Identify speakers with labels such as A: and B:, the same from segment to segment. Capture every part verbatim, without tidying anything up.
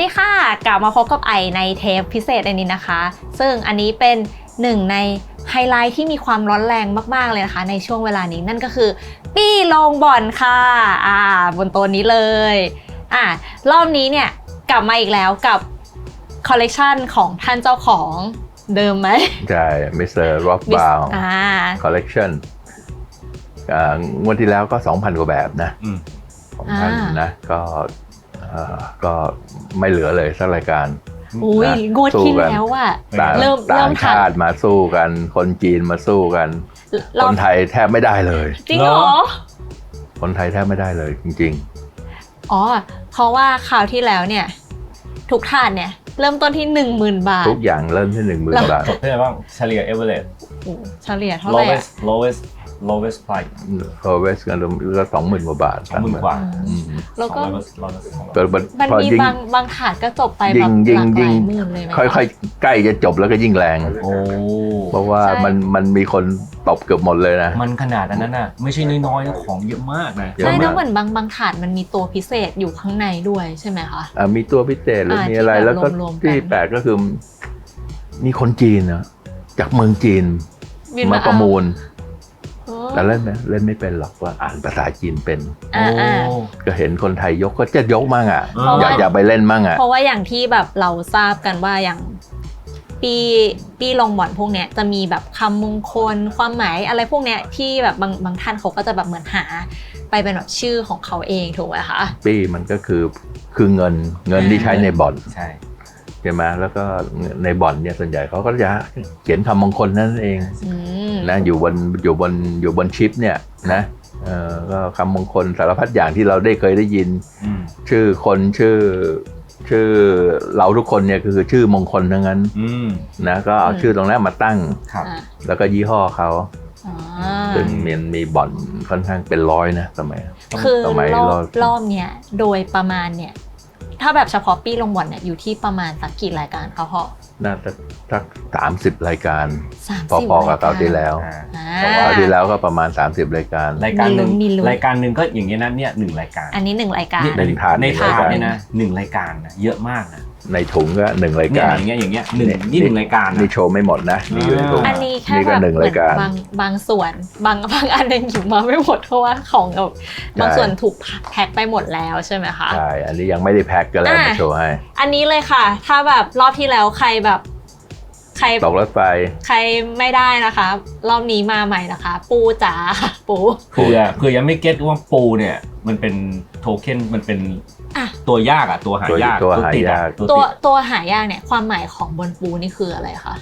A: ดีค่ะกลับมาพบกับไอในเทปพิเศษอันนี้นะคะซึ่งอันนี้เป็นหนึ่งในไฮไลท์ที่มีความร้อนแรงมากๆเลยนะคะในช่วงเวลานี้นั่นก็คือปี้ลงบ่อนค่ะอ่าบนโต๊ะนี้เลยอ่ารอบนี้เนี่ยกลับมาอีกแล้วกับคอลเลกชันของท่านเจ้าของเดิมไหม
B: ใช่มิสเตอร์ร็อกบราวน์คอลเลกชันงวดที่แล้วก็ สองพัน กว่าแบบนะสองพันนะก็ก็ไม่เหลือเลยสักรายการ
A: อุ้ยงวดที่แล้วอ่ะ
B: เริ่มต่างชาติมาสู้กันคนจีนมาสู้กันคนไทยแทบไม่ได้เลย
A: จริงเหรอ
B: คนไทยแทบไม่ได้เลยจริง
A: ๆอ๋อเพราะว่าคราวที่แล้วเนี่ยทุกถาดเนี่ยเริ่มต้นที่ หนึ่งหมื่น บาท
B: ทุกอย่างเริ่มที่ หนึ่งหมื่น บาท
C: จบที่ไหนบ้างเฉลี่ย average
A: เฉลี่ยเท่าไหร่
C: lowest lowest lowest price
B: lowest กันก็สองหมื่นกว่าบาท
C: สองหมื่นกว่า
A: แล้วก็
B: มัน
A: มีบางบางถาดก็จบไปแบบหลักหลายหมื่นเลย
B: ค่อยๆใกล้จะจบแล้วก็ยิ่งแรงเพราะว่ามันมันมีคนตบเกือบหมดเลยนะ
C: มันขนาดนั้นน่ะไม่ใช่น้อยๆนะของเยอะมากนะ
A: ใช่แล้วเหมือนบางบางถาดมันมีตัวพิเศษอยู่ข้างในด้วยใช่ไหมคะ
B: อ่ามีตัวพิเศษหรือมีอะไรแล้วก็ที่แปลกก็คือมีคนจีนนะจากเมืองจีนมาประมูลแต่เล่นไหมเล่นไม่เป็นหรอกว่าอ่านภาษาจีนเป็นก็เห็นคนไทยยกก็จะยกมั่งอ่ะอยากอยากไปเล่นมั่งอ่ะ
A: เพราะว่าอย่างที่แบบเราทราบกันว่าอย่างปีปีลงบ่อนพวกเนี้ยจะมีแบบคำมงคลความหมายอะไรพวกเนี้ยที่แบบบางบางท่านเขาก็จะแบบเหมือนหาไปเป็นแบบชื่อของเขาเองถูกไหมคะ
B: ปีมันก็คือคือเงินเงินที่ใช้ในบ่อน
C: ใช่
B: ใช่ไหมแล้วก็ในบ่อนเนี่ยส่วนใหญ่เขาก็จะเขียนคำมงคลนั่นเองนะอยู่บนอยู่บนอยู่บนชิปเนี่ยนะเออก็คำมงคลสารพัดอย่างที่เราได้เคยได้ยินชื่อคนชื่อชื่อเราทุกคนเนี่ยคือชื่อมงคลทั้งนั้นนะก็เอาชื่อตรงนั้นมาตั้งแล้วก็ยี่ห้อเขาซึ่งมันมีบ่อนค่อนข้างเป็นร้อยนะสมัย
A: คือรอบรอบเนี้ยโดยประมาณเนี่ยถ้าแบบเฉพาะปี้ลงบ่อนเนี่ยอยู่ที่ประมาณสักกี่รายการคะพ่อ
B: น่าจะสักสามสิบรายการพอๆกับคราวที่แล้วคราวที่แล้วก็ประมาณสามสิบรายการ
C: รายการหนึ่งรายการหนึ่งก็อย่างเงี้ยนะเนี่ยหนึ่งรายการ
A: อันนี้หนึ่งรายการ
B: ในถาด
C: ในถาดเนี่ยนะหนึ่งรายการนะเยอะมากนะ
B: ในถุงก็หนึ่งรายการ
C: อย่างเงี้ยอย่างเงี้ยหนึ่งนี่หนึ่งรายการ
B: นี่โชว์ไม่หมดนะนี่อยู่ในถุง
A: อันนี้แค่แบบเหมือนบางบางส่วนบางบางอันยังอยู่มาไม่หมดเพราะว่าของบางส่วนถูกแพ็คไปหมดแล้วใช่ไหมคะ
B: ใช่อันนี้ยังไม่ได้แพ็คก็แล้วมาโชว์ให้
A: อันนี้เลยค่ะถ้าแบบรอบที่แล้วใครแบบใคร
B: ตกรถไฟ
A: ใครไม่ได้นะคะรอบนี้มาใหม่นะคะปูจ๋าปู
C: เผื่อเผื่อยังไม่เก็ตว่าปูเนี่ยมันเป็นโทเค็นมันเป็นตัวยากอ่ะตัวหายาก
B: ตัวหายาก
A: ตัวตัวหายากเนี่ยความหมายของบนปูนี่คืออะไรคะ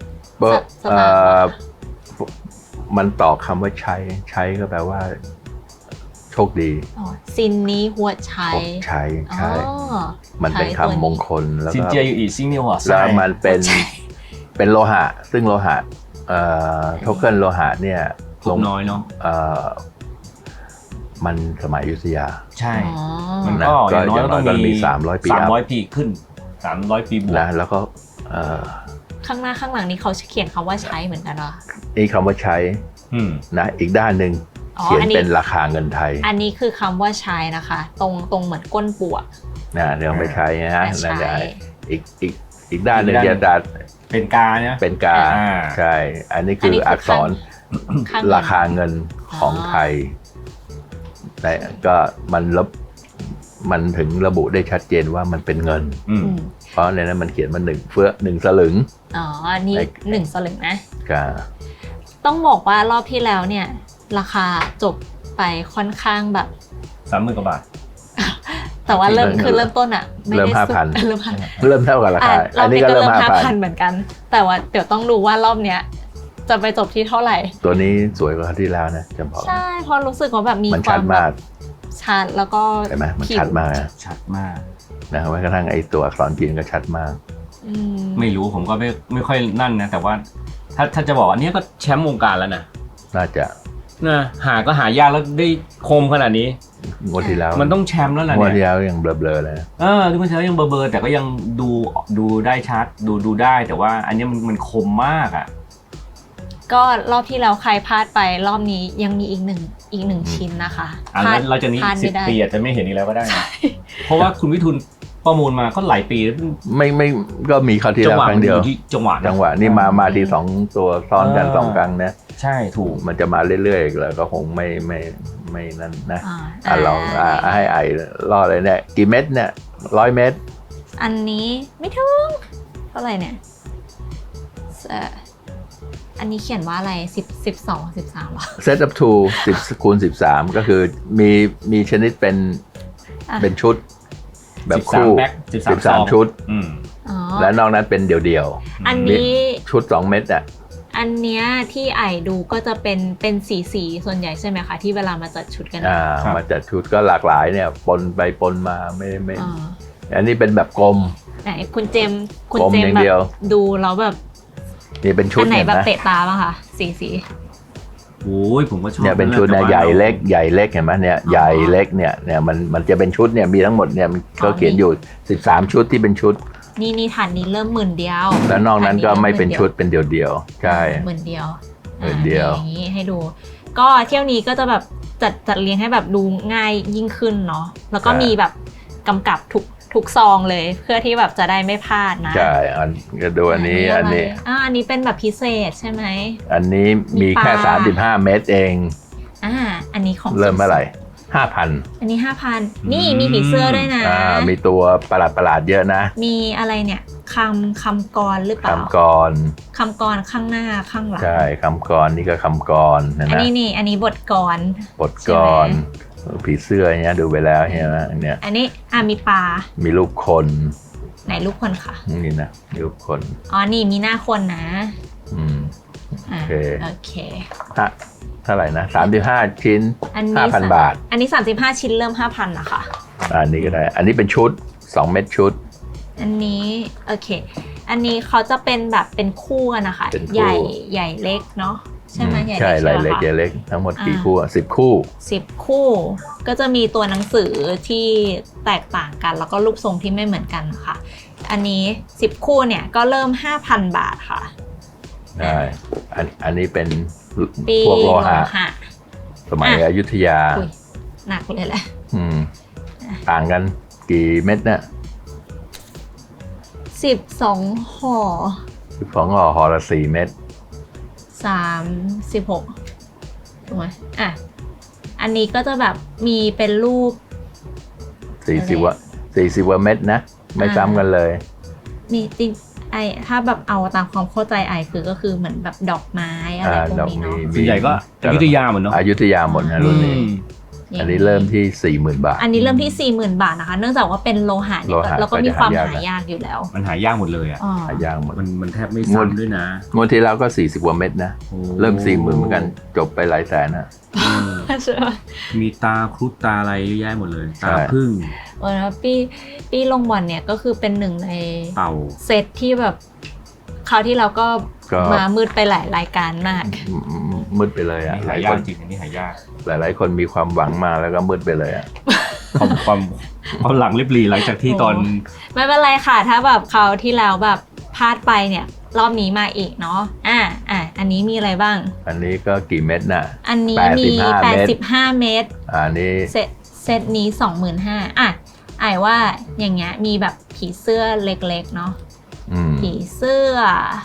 B: มันต่อคำว่าใช้ใช้ก็แปลว่าโชคดี
A: ซินนี้หัวใช้
B: ใช้ใช่มันเป็นคำมงคลแล้วก็
C: ซินเจียอยู่อีซิงนี่หัว
B: แล้วมันเป็นเป็นโลหะซึ่งโลหะโทเค็นโลหะเนี่ย
C: ลงน้อยเนาะ
B: มันสมัยอยุธยา
C: ใช่มันก็อย่างน้อยก็ต้องมีสามร้อยปีสามร้อยปีขึ้นสามร้อยปีบวก
B: นะแล้วก็
A: ข้างหน้าข้างหลังนี้เขาเขียนคำว่าใช้เหมือนกันเหรอ
B: นี่คำว่าใช้นะอีกด้านหนึ่งเขียนเป็นราคาเงินไทย
A: อันนี้คือคำว่าใช้นะคะตรงตรงเหมือนก้นปวก
B: นะเดี๋ยวไม่ใช้นะฮะนั่นแหละอีกอีกอีกด้านหนึ่งจะดัด
C: เป็นกาเนี่ย
B: เป็นกาใช่อันนี้คืออักษรราคาเงินของไทยแต่ก็มันระมันถึงระบุได้ชัดเจนว่ามันเป็นเงินเพราะในนั้นมันเขียนมาหนึ่งเฟื่อหนึ่งสลึง
A: อ๋ออันนี้หนึ่งสลึงนะ
B: กา
A: ต้องบอกว่ารอบที่แล้วเนี่ยราคาจบไปค่อนข้างแบบ
C: สามหมื่นกว่าบาท
A: แต่ว่าเริ่มคือเริ่มต้นอ่ะ
B: เริ่มห้าพัน
A: เริ่ม
B: เริ่มเท่ากับราคาอันนี้ก็เริ่มห้าพัน
A: เหมือนกันแต่ว่าเดี๋ยวต้องดูว่ารอบเนี้ยจะไปจบที่เท่าไหร่
B: ตัวนี้สวยกว่าที่แล้วนะจำพอ
A: ใช่พอรู้สึกว่าแบบมี
B: ความมาก
A: ชัดแล้วก็
B: ใช่ไหมมันชัดมาก
C: ชัดมาก
B: นะแม้กระทั่งไอ้ตัวอักษรจีนก็ชัดมาก
C: ไม่รู้ผมก็ไม่ไม่ค่อยนั่นนะแต่ว่าถ้าถ้าจะบอกอันนี้ก็แชมป์วงการแล้วนะ
B: น่าจะ
C: นะหาก็หายากแล้วได้คมขนาดนี้
B: งวดที่แล้ว
C: มันต้องแชมป์แล้วแหละเนี่ย
B: งวดที่แล้วยังเบลอๆเลย
C: เออที่มันเช้ายังเบลอๆแต่ก็ยังดูดูได้ชัดดูดูได้แต่ว่าอันนี้มันมันคมมากอ่ะ
A: ก็รอบที่แล้วใครพลาดไปรอบนี้ยังมีอีกหนึ่งอีกหนึ่งชิ้นนะคะ
C: อันนั้นเราจะนี้สิบปีอาจจะไม่เห็นอีกแล้วก็ได้นะเพราะว่าคุณวิทูลประมูลมาก็หลายปี
B: ไม่ไม่ก็มีคราวที่
C: จั
B: แล้ว
C: หวะ
B: ครั้
C: มั
B: ง
C: น
B: เดี
C: อ
B: ยว
C: ยู่ที่จังหวะนะ
B: จังหวะนี่มามาทีสองตัวซ้อนกัน
C: เออ
B: สองครั้งนะ
C: ใช่ถูก
B: มันจะมาเรื่อยๆแล้วก็คงไม่ไม่ไม่นั่นนะ
A: อ่า
B: อ่ะลองอ่ะให้ไอล่อเลยเนี่ยกี่เม็ดเนี่ยร้อยเม็ด
A: อันนี้ไม่ถึงเท่าไหร่เนี่ยเอ่ออันนี้เขียนว่าอะไรสิบสิบสองสิบสามหรอ
B: เซตอัพทูสิบคูณสิบสามก็คือมีมีชนิดเป็น
A: อ่ะ
B: เป็นชุด แบบ
C: สิบสาม
B: คู่
C: แบ็คสิบสาม
B: สิบสาม
C: ซอง
B: ชุด
C: อืม
A: อ๋อ
B: และนอกนั้นเป็นเดี่ยว
A: อันนี้
B: ๆชุดสองเม็ดอ่ะ
A: อันเนี้ยที่ไอดูก็จะเป็นเป็นสีสีส่วนใหญ่ใช่ไหมคะที่เวลามาจัดชุดกัน
B: อ่า
C: ครับ
B: มาจัดชุดก็หลากหลายเนี่ยปนไปปนมาไม่ไม่
A: อ่า
B: อันนี้เป็นแบบกลม
A: ไหนคุณเจมส์คุณ
B: กลม
A: เจม
B: อย่า
A: ส์
B: ง
A: แบ
B: เดียว
A: บดูแล้วแบบ
B: นี่เป็นชุ
A: อั
B: ด
A: นไหน
B: เนี่ย
A: แบบ
B: นะ
A: เตะตาบ้างคะสีสี
C: โอ้ยผมก็ชอบ
B: เนี่ยเป็นชุด
C: แต่
B: เนี่ย
C: ว่า
B: ใหญ่เล็กใหญ่เล็กเห็นไหมเนี่ยใหญ่เล็กเนี่ยเนี่ยมันมันจะเป็นชุดเนี่ยมีทั้งหมดเนี่ยมันก็เขียนอยู่สิบสามชุดที่เป็นชุด
A: นี่นี่ฐานนี้เริ่มหมื่นเดียว
B: แล้วนอกนั้นก็ไม่เป็นชุดเป็นเดี่ยวๆใช่
A: หมื่นเดียว
B: หมื่นเดียว
A: อ่าอย่างนี้ให้ดู ก็เที่ยวนี้ก็จะแบบจัดจัดเรียงให้แบบดูง่ายยิ่งขึ้นเนาะแล้วก็มีแบบกำกับทุกทุกซองเลย เพื่อที่แบบจะได้ไม่พลาดนะ
B: ใช่อันก็ดูอันนี้อันนี้
A: ะไรอ่าอันนี้เป็นแบบพิเศษใช่ไหม
B: อันนี้มีแค่
A: มีปลา
B: สามสิบห้าเม็ดเอง
A: อ่าอันนี้ของ
B: เริ่มเมื่อไหร่ห้าพัน
A: อันนี้ห้าพันนี่มีผีเสื้อด้วยนะ
B: อ่ามีตัวประหลาดประหลาดๆเยอะนะ
A: มีอะไรเนี่ยคำคำกรหรือเปล่า
B: คำกร
A: คำกรข้างหน้าข้างหลัง
B: ใช่คำกรนี่ก็คำกรนะ
A: อัน
B: นะ
A: นี้นี่อันนี้บทกร
B: บทกรผีเสื้อเนี่ยดูไปแล้วเห็นไหมเนี่ย
A: อันนี้อ่ะมีปลา
B: มีรูปคน
A: ไหนรูปคนค่ะ
B: นี่นะมีรูปคน
A: อ๋อนี่มีหน้าคนนะ
B: อืม
A: อ่ะ
B: โอเค
A: โอเค
B: ฮะเท่าไหร่นะสามสิบห้าชิ้น
A: อันนี้
B: ห้าพันบาท
A: อันนี้สามสิบห้าชิ้นเริ่มห้าพันนะคะ
B: อันนี้ก็ได้ อันนี้เป็นชุดสองเม็ดชุด
A: อันนี้โอเค อันนี้เขาจะเป็นแบบเป็นคู่กันนะคะ
B: เป็นคู่
A: ใหญ่ใหญ่เล็กเนาะใช่ไหม
B: อืม
A: ใหญ่
B: ใช่
A: เล็ก
B: ลาย
A: ใช่
B: เล็ก
A: ไหม
B: ใหญ่
A: คะ
B: เล็กทั้งหมดกี่
A: อ่า
B: คู่อ่ะสิบคู่
A: สิบคู่ก็จะมีตัวหนังสือที่แตกต่างกัน แล้วก็รูปทรงที่ไม่เหมือนกันค่ะ อันนี้สิบคู่เนี่ยก็เริ่ม ห้าพัน บาทค่ะ
B: ใช่อันอันนี้เป็น
A: ปี
B: พวกโล
A: โล
B: หะ
A: หะ
B: สมัย
A: อ่ะ
B: อยุธยา
A: อุ้ยหนักเลยแหละ
B: อืมต่างกันกี่เม็ดเนี่ย
A: สิบสองห่อ
B: สิบสองห่อห่อละสี่เม็ด
A: สามสิบหกถูกไหมอ่ะอันนี้ก็จะแบบมีเป็นรูป
B: สี่สิบวะสี่สิบวะเม็ดนะ ไม่
A: อ่า
B: ซ้ำกันเลย
A: มีจริงไอถ้าแบบเอาตามความเข้าใจไอคือก็คือเหมือนแบบดอกไม้อะไร
B: อ่า
A: พวก
B: ดอก
A: นี้
B: มี
A: เนาะ
C: ส่วนใหญ่ก็อยุธยาเหมือนเนาะ
B: อยุธยาหมดนะรุ่นนี้
C: อืม
B: อันนี้เริ่มที่สี่หมื่นบาท
A: อันนี้เริ่มที่สี่หมื่นบาทนะคะ เนื่องจากว่าเป็นโลหะเนี่ย
B: โลหะ
A: แล้วก็มีความ
B: ก็จะหา
A: หาย
B: าก
A: ยากอยู่แล้ว
C: มันหายากหมดเลยอ่ะ
A: อ๋อ
B: หายากหมด
C: มันมันแทบไม่
B: งวด
C: ซ้ำด้วยนะ
B: งวดที่แล้วก็สี่สิบกว่าเม็ดนะ
C: โอ้
B: เริ่มสี่หมื่นเหมือนกันจบไปหลายแสนนะ
C: เออ
A: ใช่ไหม
C: มีตาครุฑตาอะไรเยอะแยะหมดเลย
B: ใช่
C: ตาพึ่ง
A: เออแล้วปีปีลงบอลเนี่ยก็คือเป็นหนึ่งใน
C: เต่า
A: เซตที่แบบคราวที่เราก็
B: ก็
A: มามืดไปหลายรายการมาก
B: มืดไปเลยอ่ะ
C: นี่
B: หลา
C: หาย ย
B: ค
C: ยาก
B: น
C: จริงอันนี้หายาก
B: หลายหลายๆคนมีความหวังมาแล้วก็มืดไปเลยอ่ะ
C: ความความความหลังริบหรี่หลังจากที่ตอน
A: ไม่เป็นไรค่ะ ถ้าแบบคราวที่แล้วแบบพลาดไปเนี่ย รอบนี้มาอีกเนาะอ่ะอ่ะอันนี้มีอะไรบ้าง
B: อันนี้ก็กี่เม็ดน่ะ
A: อันนี้มี
B: แปดสิบห้า
A: แปดสิบห้า เมตร
B: อันนี้
A: เซตเซตนี้ สองหมื่นห้าพัน อ่ะไอว่าอย่างเงี้ยมีแบบผีเสื้อเล็กๆเนาะ
B: อืม
A: ผีเสื้อ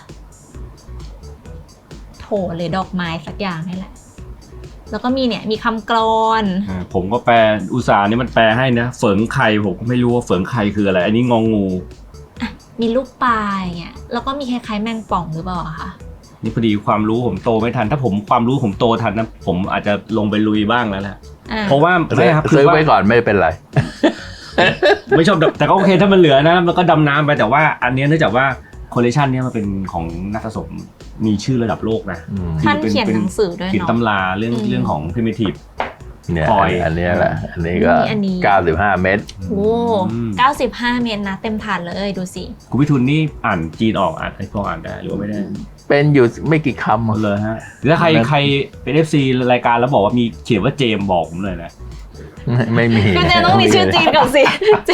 A: โถหรือดอกไม้สักอย่างนี่แหละ แล้วก็มีเนี่ยมีคำกลอน
C: อ่าผมก็แปลอุตสาห์นี่มันแปลให้นะเฝิงไข่ผมก็ไม่รู้ว่าเฝิงไข่คืออะไร อันนี้งองู
A: มีลูกปลาอย่างเงี้ยแล้วก็มีคล้ายๆแมงป่องหรือเปล่าอะคะ
C: นี่พอดีความรู้ผมโตไม่ทัน ถ้าผมความรู้ผมโตทันนะผมอาจจะลงไปลุยบ้างแล้วแหละ
A: อ่ะ
C: เพราะว่าไม่ครับคื
B: ซื้
C: อ
B: อ
C: ว่า
B: ไว้ก่อนไม่เป็นไร
C: ไม่ชอบดำแต่ก็โอเคถ้ามันเหลือนะมันก็ดำน้ำไปแต่ว่าอันเนี้ยเนื่องจากว่าคอลเลคชันเนี้ยมันเป็นของนักสะสมมีชื่อระดับโลกนะ
B: อืม
A: ท่านเขียนหนังสือด้วย
C: เขียน
A: เนาะ
C: ตำราเรื่อง
A: อืม
C: เรื่องของ primitive
B: เนี่ย
C: พลอย
B: อันเนี้ยแหละ อันนี้ก็
A: นี่อันนี้
B: เก้าสิบห้าเม็ด
A: โอ้เก้าสิบห้าเมตรนะเต็มถาดเลยดูสิ
C: คุณพิทูลนี่อ่านจีนออกอ่านไอ้พออ่านได้หรือว่าไม่ได้
B: เป็นอยู่ไม่กี่คำ
C: หมดเลยฮะแล้วใครใครเป็น เอฟ ซี รายการแล้วบอกว่ามีเขียนว่าเจมส์บอกผมเลยนะ
B: ไม่มี
A: คุณเจนต้องมีชื่อจีนก่อนสิ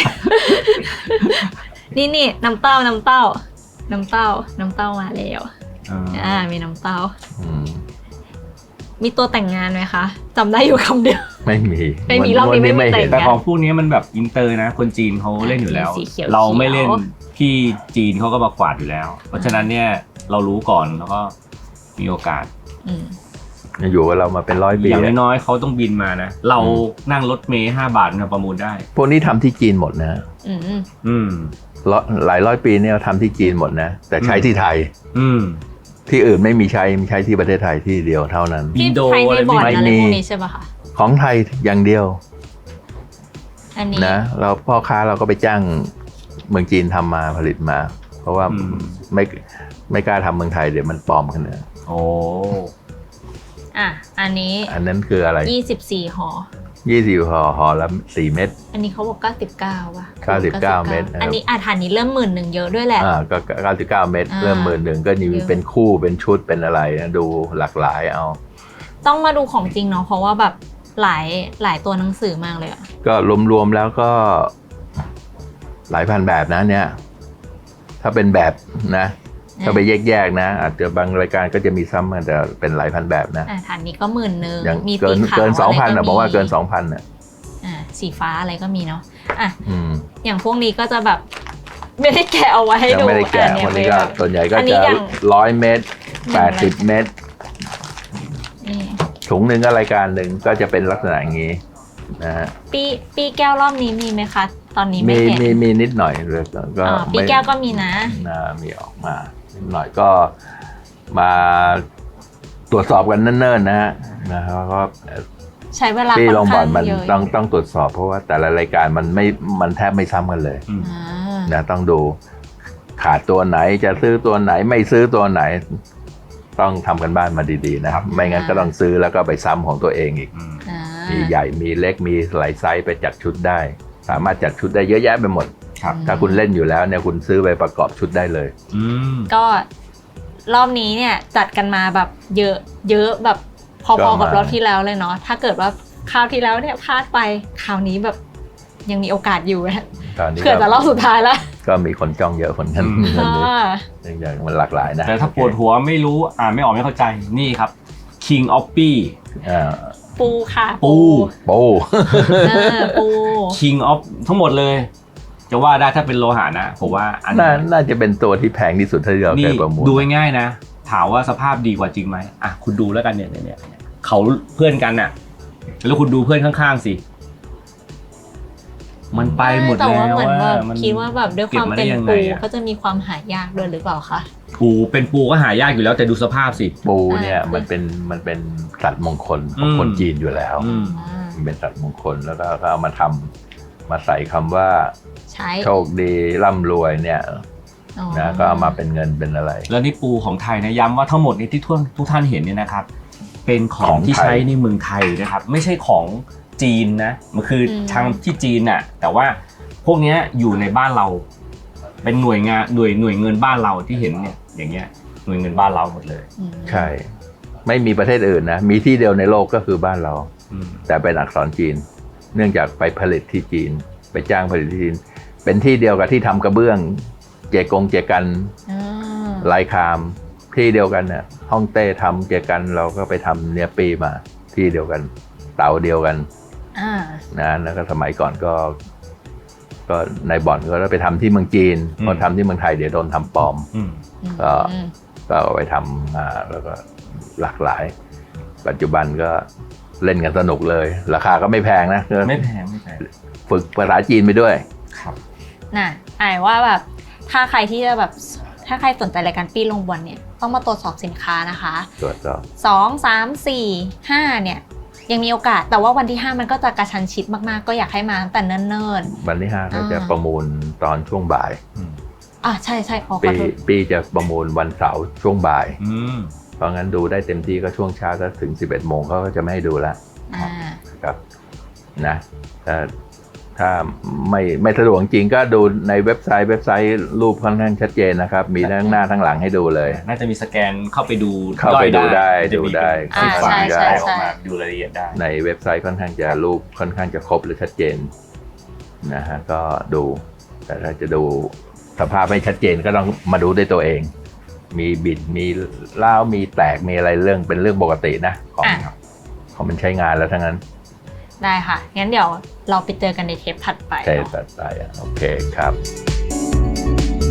A: นี่นี่น้ำเต้าน้ำเต้า น้ำเต้าน้ำเต้ามาแล้ว อ่ามีน้ำเต้า
B: อืม
A: มีตัวแต่งงานไหมคะจำได้อยู่คำเดียว
B: ไม่มี
A: ไม่มีรอบนี้ไม่มี
B: เห็น
A: แต่
C: แต่
A: ง
C: ของพวกนี้มันแบบอินเตอร์นะคนจีนเขาเล่นอยู่แล้ว
A: สีเขียว
C: เราไม่เล่น
A: เขียว
C: พี่จีนเขาก็มากวาดอยู่แล้ว เพราะฉะนั้นเนี่ยเรารู้ก่อนแล้วก็มีโอกาส
A: อืม
B: อยู่กับเรามาเป็นร้อยปี
C: อย่าง
B: แล้ว
C: น้อยๆเขาต้องบินมานะเรานั่งรถเมล์ห้าบาทเนี่ยประมูลได้
B: พวกนี้ทำที่จีนหมดนะ
A: อืม
C: อืม
B: ร้อยหลายร้อยปีเนี่ยทำที่จีนหมดนะ แต่ใช้ที่ไทย
C: อืม
B: ที่อื่นไม่มีใช้มีใช้ที่ประเทศไทยที่เดียวเท่านั้น
C: อิ
A: ที่
C: นโด
A: ไทย
C: อะไร
A: ในบอร์ด
C: ไม่
A: อะไร
B: มี
A: พวกนี้ใช่ป่ะคะ
B: ของไทยอย่างเดียว
A: อันนี้
B: นะเราพ่อค้าเราก็ไปจ้างเมืองจีนทำมาผลิตมา เพราะว่า
C: อืม
B: ไม่ไม่กล้าทำเมืองไทยเดี๋ยวมันปลอมกันนะ
C: โอ้
A: อ่ะอันนี้
B: อันนั้นคืออะไร
A: ยี่สิบสี่ห่อ
B: ยี่สิบห่อห่อละสี่เม็ด
A: อันนี้เขาบอกเก้าสิบเก้าป่ะ
B: เก้าสิบเก้าเม็ดนะครับ
A: อันนี้อาถานนี้เริ่มหมื่นหนึ่งเยอะด้วยแหละ
B: อ่าก็เก้าสิบเก้าเม็ด
A: อ่า
B: เริ่มหมื่นหนึ่งก็มี
A: เยอะ
B: เป็นคู่เป็นชุดเป็นอะไรนะดูหลากหลายเอา
A: ต้องมาดูของจริงเนาะเพราะว่าแบบหลายหลายตัวหนังสือมากเลยอะ
B: ก็รวมๆแล้วก็หลายพันแบบนะเนี่ย ถ้าเป็นแบบนะ ถ้าไปแยกๆนะ อาจจะบางรายการก็จะมีซ้ำกันแต่เป็นหลายพันแบบนะ
A: อ่ะฐานนี้ก็หมื่นหนึ่ง
B: อย่าง
A: มี
B: เกิ
A: สี
B: น
A: ขาว
B: เกินสองพัน
A: อะไร
B: นะบอกว่าเกินสองพันอ่ะ
A: อ่ะสีฟ้าอะไรก็มีเนาะอ่ะ
B: อืม
A: อย่างพวกนี้ก็จะแบบไม่ได้แกะเอาไว้ให้
B: ยัง
A: ดู
B: ไม่ได้แกะ
A: อ่ะเย
B: วันนี้ก็
A: แบบ
B: ส่วนใหญ่ก็
A: อันนี้
B: จะ
A: อย่าง
B: ร้อยเมตรแปดสิบเมตร
A: นี่
B: ถุงหนึ่งก็รายการหนึ่งก็จะเป็นลักษณะอย่างนี้นะฮะ
A: ปีปีแก้วรอบนี้มีไหมคะ ตอนนี้
B: มี
A: ไม่เห็น
B: มีมีนิดหน่อยเลยก็
A: อ่าปี
B: ไม่
A: แก้วก็มีนะ
B: นะมีออกมานิดหน่อยก็มาตรวจสอบกันเนิ่นๆนะฮะนะครับก็
A: ใช้เวลา
B: ที่
A: ค่
B: โร
A: อน
B: งพยาบา
A: ข้า
B: ล
A: ง
B: มัน
A: เยอะ
B: ต้องต้องตรวจสอบเพราะว่าแต่ละรายการมันไม่มันแทบไม่ซ้ำกันเลย
C: อืม
A: อ่า
B: นะต้องดูขาดตัวไหนจะซื้อตัวไหนไม่ซื้อตัวไหน ต้องทำกันบ้านมาดีๆนะครับ ไม่งั้นก็ต้องซื้อแล้วก็ไปซ้ำของตัวเองอีก
C: อืม
A: อ่า
B: มีใหญ่มีเล็กมีหลายไซส์ไปจัดชุดได้ สามารถจัดชุดได้เยอะแยะไปหมด
C: ครับ
B: ถ้าคุณเล่นอยู่แล้วเนี่ยคุณซื้อไปประกอบชุดได้เลย
C: อืม
A: ก็รอบนี้เนี่ยจัดกันมาแบบเยอะเยอะแบบพ
B: ก็
A: อๆกับ
B: มาร
A: อบที่แล้วเลยเนาะถ้าเกิดว่าคราวที่แล้วเนี่ยพลาดไปคราวนี้แบบยังมีโอกาสอยู่นะ
B: ตอนนี้
A: เผื่อจะรอบสุดท้ายแล้ว
B: ก็มีคนจ้องเยอะคนนั้น
C: อืม
B: คนนี้
A: อ่า
B: เนื่องจากมันหลากหลายนะ
C: แต่ถ้าปวดหัวไม่รู้อ่านไม่ออกไม่เข้าใจนี่ครับ King of p
B: อ่า
A: ปูค่ะ
C: ปู
B: โป้
A: เออปู
C: King of ทั้งหมดเลย จะว่าได้ถ้าเป็นโลหะนะผมว่าอัน
B: น่า
C: นี้
B: น่าจะเป็นตัวที่แพงที่สุดที่เราเค
C: นี่
B: ยประมูล
C: ดูง่ายๆนะ ถามว่าสภาพดีกว่าจริงไหมอ่ะคุณดูแล้วกันเนี่ยเนี่ยเนี่ยเขาเพื่อนกันน่ะ แล้วคุณดูเพื่อนข้างๆสิ มันไปหมด
A: แต่
C: แล้
A: ว่าว เหมือนแบบ
C: มัน
A: คิดว่าแบบด้วยความเป็น
C: ก็บมาได้ยังไง
A: ปู
C: อะ
A: ก็จะมีความหายากด้วยหรือเปล่าคะ
C: ปูเป็นปูก็หายากอยู่แล้วแต่ดูสภาพสิ
B: ปูเนี่ย
A: อ่ามั
B: มันเป็นมันเป็นสัตว์มงคลของ
C: อืม
B: คนจีนอยู่แล้ว
C: อืม
A: อ่า
B: มันเป็นสัตว์มงคลแล้วก็ก็เอามาทำมาใส่คำว่า
A: ใช้
B: โชคดีร่ำรวยเนี่ย
A: อ๋อ
B: นะก็เอามาเป็นเงินเป็นอะไร
C: แล้วนี่ปูของไทยนะย้ำว่าทั้งหมดนี้ที่ทุกทุกท่านเห็นเนี่ยนะครับ เป็นขอ
B: ของ ง
C: ที่
B: ไทย
C: ใช้ในเมืองไทยนะครับ ไม่ใช่ของจีนนะมันคืออทางที่จีนน่ะแต่ว่าพวกเนี้ยอยู่ในบ้านเรา เป็นหน่วยงานหน่วยหน่วยเงินบ้านเราที่เห็นเนี่ยอย่างเงี้ยหน่วยเงินบ้านเราหมดเลย
A: อืม
B: ใช่ ไม่มีประเทศอื่นนะ มีที่เดียวในโลกก็คือบ้านเรา
C: อืม
B: แต่เป็นอักษรจีน เนื่องจากไปผลิตที่จีน ไปจ้างผลิตที่จีน เป็นที่เดียวกับที่ทำกระเบื้อง เจกงเจกัน
A: อ่า
B: ลายคามที่เดียวกันเนี่ยฮ่องเต้ทำเจกันเราก็ไปทำเนียปีมาที่เดียวกัน เตาเดียวกัน
A: อ่า
B: นะแล้วก็สมัยก่อนก็ ก็ในบ่อนก็ไปทำที่เมืองจีนพอทำที่เมืองไทยเดี๋ยวโดนทำปลอม
C: อืม
B: ก็
A: อืม
B: ก็เอาไปทำมาแล้วก็หลากหลาย ปัจจุบันก็เล่นกันสนุกเลย ราคาก็ไม่แพงนะ
C: ไม่แพงไม่แพง
B: ฝึกภาษาจีนไปด้วย
C: ครับ
A: น่ะไอ้ว่าแบบถ้าใครที่จะแบบถ้าใครสนใจรายการปี้ลงบอลเนี่ยต้องมาตรวจสอบสินค้านะคะ
B: ตรวจสอบ
A: สอง สาม สี่ ห้าเนี่ยยังมีโอกาสแต่ว่าวันที่ห้ามันก็จะกระชันชิดมากๆ ก็อยากให้มาตั้งแต่เนิ่น
B: วันที่ห้าก็จะ
A: อ่า
B: ประมูลตอนช่วงบ่าย
C: อืม
A: ๆอ่ะใช่ใช่ขอข
B: ปี
A: อโทษ
B: ปีจะประมูลวันเสาร์ช่วงบ่าย
C: อืม
B: เพราะงั้นดูได้เต็มที่ก็ช่วงเช้าถ้าถึงสิบเอ็ดโมงเขาก็จะไม่ให้ดูแล้ว
A: อ่า
B: ครับนะถ้าถ้าไม่ไม่สะดวกจริงก็ดูในเว็บไซต์เว็บไซต์รูปค่อนข้างชัดเจนนะครับ มีทั้งหน้าทั้งหลังให้ดูเลย
C: น่าจะมีสแกนเข้าไปดู
B: เข้าไปดูได้
C: จะมี
B: ดูได้
C: เป็น
A: อ่า
C: ไฟล์
A: ใช่ใช่
C: ได้อ
A: ใช่
C: อกมาดูรายละเอียดได้
B: ในเว็บไซต์ค่อนข้างจะรูปค่อนข้างจะครบและชัดเจนนะฮะก็ดู แต่ถ้าจะดูสภาพไม่ชัดเจนก็ต้องมาดูด้วยตัวเองมีบิดมีล้าวมีแตกมีอะไรเรื่องเป็นเรื่องปกตินะของ
A: อ่ะ
B: ของมันใช้งานแล้วทั้งนั้น
A: ได้ค่ะ งั้นเดี๋ยวเราไปเจอกันในเทปถัดไป
B: ใช่
A: เนาะ
B: ตัดไปอ่ะโอเคครับ